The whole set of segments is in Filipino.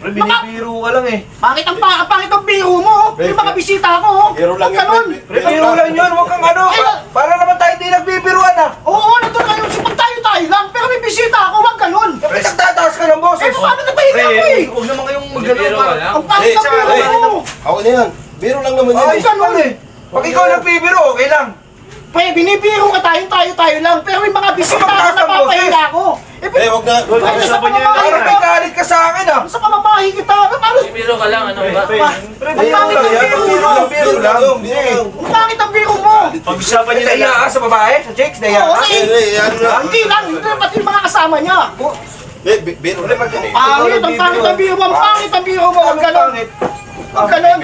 Pre, binibiro ka lang eh. Pangit ang biro mo. Yung mga bisita ko. Biro lang Huwag ganun. Pre, biro lang yun. Huwag kang ano. Para naman tayo hindi nagbibiruan ah. Oo, nandun kayo. Sipag tayo lang. Pero may bisita ako. Huwag ganun. Pre, nagtataas ka ng boses. Eh, paano napahiga ako eh? Huwag naman kayong magano. Ang pangit ang biro mo. Ako na yan. Biro lang naman yan. Ay, ganun eh. Pag ikaw nagbibiro, okay lang. Pre, binibiro ka tayo lang. Pero may mga bisita ako na napapahiga ako. Wag na. Pag-usapan niyo yan. Parang may galit ka sa akin ah. Sa pamamahi kita. Paano? Biro ka lang, ano ba? Pre, biro lang yan. Biro lang. Ang pangit ang biro mo. Pag-usapan niyo na lang. Naiya ka sa babae? Sa chicks? Naiya Oo, ka? eh. Ano na? Hindi lang. Pati yung mga kasama niya. Biro Pre, lang. Pangit, ang pangit ang biro mo. Ang pangit ang biro mo. Huwag ganun. Huwag ganun.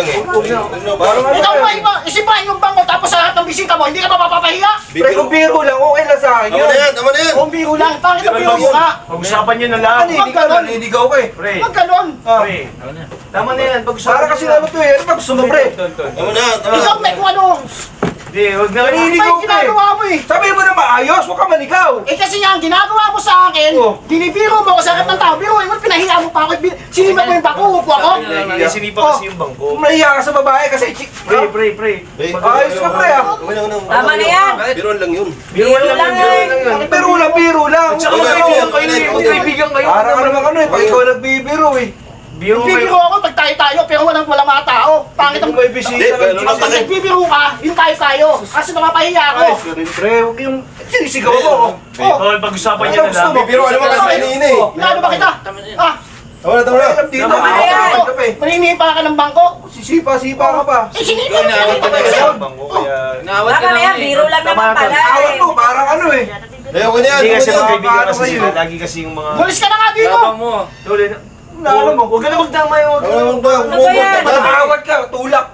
Ikaw ba iba? Isipahin yung bangko tapos sa lahat ng bisita mo, hindi ka pa mapapahiya? Pre, kung biro lang, okay lang sa akin yun. Tama na yan. Kung biro lang, pangit ang biro mo nga. Pag-usapan nyo na lang. Naniligaw ka eh. Pre, Huwag ganun. pre. Tama na yan. Pag-usapan Para kasi ano to eh. Ano ba gusto mo pre? Tama na. Ikaw may kung ano. Hindi, huwag na. Ano Naniligaw yung ka eh. ginagawa mo eh? Sabihin mo na maayos, huwag ka manigaw. Eh kasi nga, ang ginagawa mo sa akin, Oh. binibiro mo sa harap ng tao, biro mo, pinahiya mo pa ako, sinibat mo yung bako, upo ako. Hindi, sinipa kasi yung bangko. Kung nahiya ka sa babae kasi Pre, pre. ayos ka pre ah. Tama na yan. Biro lang yun. Biro lang yun. Biro lang. Tsaka magkaibigan kayo eh. Magkaibigan kayo. Para ka naman ano eh, pag ikaw nagbibiro eh. Biro Bibiro ako pag tayo, pero walang mga tao. Pangit ang... may bisita ka. Pag nagbibiro ka, yung tayo. Kasi napapahiya ako. Pre, huwag yung sinisigaw mo. Oh, pag-usapan nyo na lang. Biro, alam mo kasi kanina eh. Inaano ba kita? Ah, Tama na. Alam dito. Tama na yan. maninipa ka ng bangko. Sisipa ka pa. Eh, sinipa mo siya. Bangko kaya... Nawat ka Tama na yan. Biro lang naman pala. Awat mo, parang ano eh. Okay na yan. Hindi kasi Okay na yan. magkaibigan kasi Paano sila. kayo? Lagi kasi yung mga... Bulis ka na nga dito. Tapang mo. Tuloy na. Alam mo, Huwag ka na magdamay. Huwag ka na. Ano ba? Ano ba yan? Awat ka, tulak.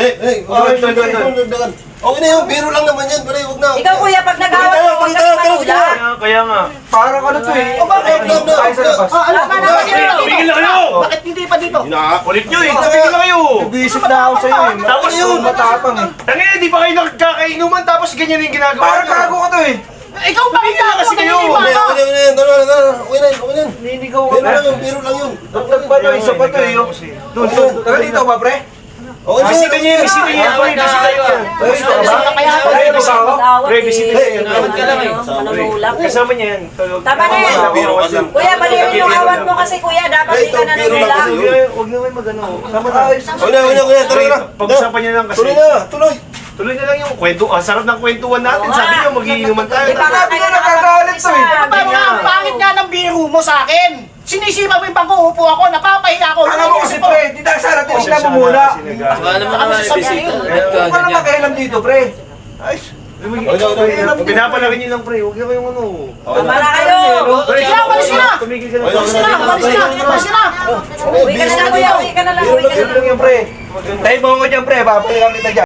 Okay na yun. Biro lang naman yan. Huwag na. Ikaw kuya, pag nag-awat mo, huwag ka matulak. Kaya nga. Parang ano to eh. O bakit? Tayo sa labas. Ah, ano? Tama na kasi Pre, tumigil na kayo! Bakit hindi pa dito? Kulit nyo eh. Tumigil na kayo. Visit na ako sa'yo eh. Tapos yun, matapang eh. Tangina, di ba kayo nagkakainuman tapos ganyan yung ginagawa Parang nyo? gago ka to eh. Ikaw ba Tumigil na kasi kayo. Maninipa ka. Okay na yan. Ninigaw ka Biro na. lang yun. Biro lang yun. Dagdag pa to, isa pa to eh. Doon. Taga dito ba pre? Okay na Bisita niya, bisita niya. Pre, bisita niya. Dito ba? Kaya Pre, bisa ako. Pre, bisita niya. Nawat ka lang eh. Manunulak. Kasama niya yan. Tama na yan. Biro kasi. Kuya, baliwin yung awat mo kasi kuya, dapat di ka Ito, biro lang nanunulak. kasi. Huwag na kayo magano. Tama na. Okay na. Tara na. Pag-usapan niya lang kasi. Tuloy na. Tuloy. Tuloy na lang yung kwento. Ang sarap ng kwentuhan natin. Oo Sabi nga. niyo, magiinuman tayo. Di ba nga Sabi kayo nga, nagagalit to eh. Paano nga, ang pangit nga ng biro mo sa akin. Sinisipa mo yung bangko, upo ako, napapahiya ako. Alam mo kasi pre, di tayo sana tinignan mo muna. Alam mo naman yung bisita. Huwag ka na makialam dito pre. Ayos. Pinapalaki niyo lang pre. Huwag na kayong ano. Tama na kayo. Kaya, walis ka na. Tumigil ka na. Walis ka na, walis ka na, walis ka na. Uwi ka na lang kuya, uwi ka na lang. Biro lang yan pre. Tayo mo ko dyan pre, papayagan kita dyan.